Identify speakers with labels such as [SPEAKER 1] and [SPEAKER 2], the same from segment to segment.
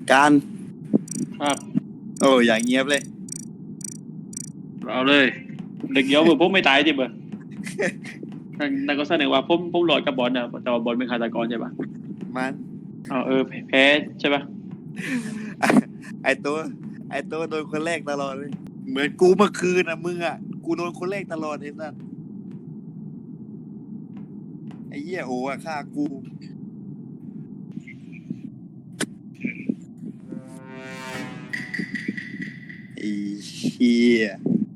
[SPEAKER 1] การ
[SPEAKER 2] ครับ
[SPEAKER 1] โอ้อย่างเงียบเลย
[SPEAKER 2] เอาเลยเด็กเยอะเบอร์ผมไม่ตายจิเบอร์นั่นก็แสดงว่าผมหลอดกับบอลนะแต่ว่าบอลเป็นฆาตกรใช่ปะ
[SPEAKER 1] มัน
[SPEAKER 2] แพ้ใช่ปะ
[SPEAKER 1] ไอตัวโดนคนแรกตลอดเลยเหมือนกูเมื่อคืนนะมึงอ่ะกูโดนคนแรกตลอดเห็นป่ะไอ้เหี้ยโอ้อะฆ่ากูไอ้เหี้ย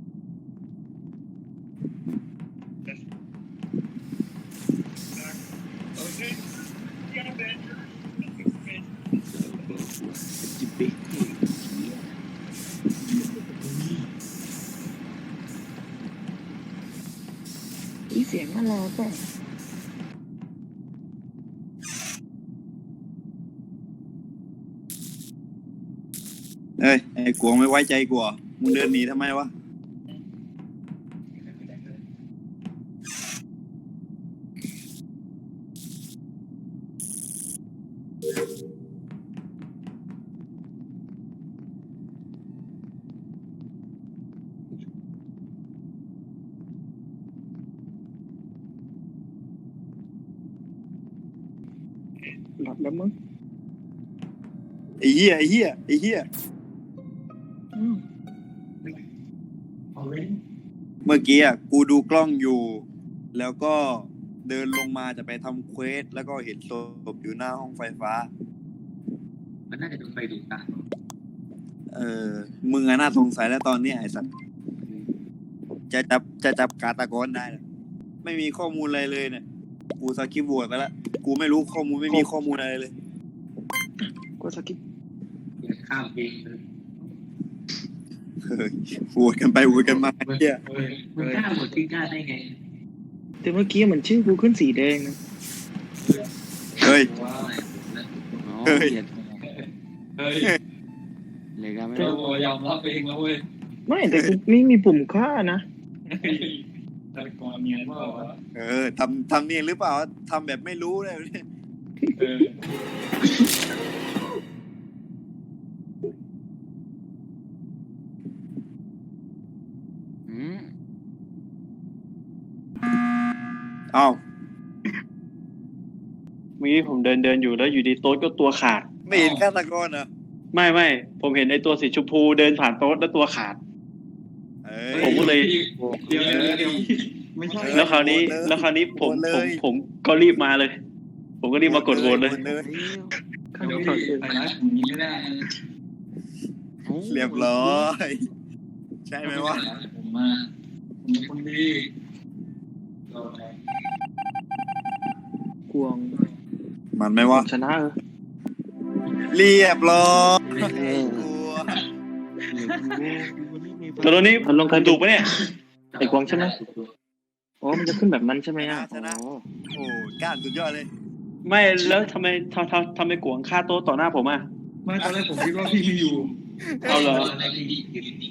[SPEAKER 3] อีเสียงอะไรป่ะ
[SPEAKER 1] เอ้ยไอ้กวงไม่ไว้ใจกูเหรอมึงเดินหนีทำไมวะ
[SPEAKER 3] หลับแล้วมั้ง
[SPEAKER 1] ไอ้เหี้ย
[SPEAKER 3] อืม
[SPEAKER 1] เมื่อกี้อ่ะกูดูกล้องอยู่ แล้วก็เดินลงมาจะไปทำเควสแล้วก็เห็นศพอยู่หน้าห้องไฟฟ้า
[SPEAKER 4] มันน่าจะโดนไฟดูดตา
[SPEAKER 1] มึงอะน่าสงสัยแล้วตอนนี้ไอ้สัตว์จะจับฆาตกรได้นะไม่มีข้อมูลอะไรเลยเนี่ยกูสกิปโหวตไปแล้วกูไม่รู้ข้อมูลไม่มีข้อมูลอะไรเลย
[SPEAKER 3] กูสกิป
[SPEAKER 4] ข้ามเองเลย
[SPEAKER 1] เฮ้ยโหวตกันไปโหวตกันมาเฮีย
[SPEAKER 4] มันกล้าหมดที่กล้าได้ไง
[SPEAKER 3] แต่เมื่อกี้เหมือนชื่อกูขึ้นสีแดงนะ
[SPEAKER 1] เฮ้ย
[SPEAKER 4] ว้าว
[SPEAKER 1] เฮ้ย
[SPEAKER 4] เฮ้ย
[SPEAKER 5] เลยก็ไม่
[SPEAKER 4] เรายอมรับเองแล้วเว้ย
[SPEAKER 3] ไม่แต่กูไม่มีปุ่มฆ่านะ
[SPEAKER 4] แต่ก่อนเมียนว่า
[SPEAKER 1] ทำเนียนหรือเปล่าทำแบบไม่รู้เลยเนี่ย
[SPEAKER 4] เออ
[SPEAKER 1] เอ้า
[SPEAKER 2] เมื่อกี้ผมเดินอยู่แล้วอยู่ดีโต๊ะก็ตัวขาด
[SPEAKER 1] ไม่เห็นฆาตกรเหรอ
[SPEAKER 2] ไม่ผมเห็นไอ้ตัวสีชมพูเดินผ่านโต๊ะแล้วตัวขาด ผมก็เลย
[SPEAKER 4] เดี๋ยวไม่ใช่
[SPEAKER 2] แล้วคราวนี้ผมก็รีบมาเลย ผมก็รีบมากดโหวตเลย
[SPEAKER 3] ข้าง
[SPEAKER 4] เดี๋ยว
[SPEAKER 3] ถอดเสื้อ
[SPEAKER 4] ไปนะผมนี้ไม่ได้
[SPEAKER 1] เรียบร้อยใช่ไหมวะ
[SPEAKER 4] ผมมาผมเป็นคนดี
[SPEAKER 3] กวง
[SPEAKER 1] มันไหมวะ
[SPEAKER 3] ชนะ
[SPEAKER 1] เรียบร้อยกลัว
[SPEAKER 2] ตอนนี้ผมถูกปะเนี่ย
[SPEAKER 3] ไอ้กวงใช่ไหมอ๋อมันจะขึ้นแบบนั้นใช่ไหมอ่ะ
[SPEAKER 1] ชนะ
[SPEAKER 3] อ๋อ
[SPEAKER 1] โอ้ก้านสุดยอดเลย
[SPEAKER 2] ไม่แล้วทำไมกวงฆ่าโต๊ะต่อหน้าผมอ่ะ
[SPEAKER 4] ไม่ตอนแรกผมคิดว่าพี่อยู่
[SPEAKER 2] เอาเหรอ
[SPEAKER 4] ตอนแรกพี่อยู่จริง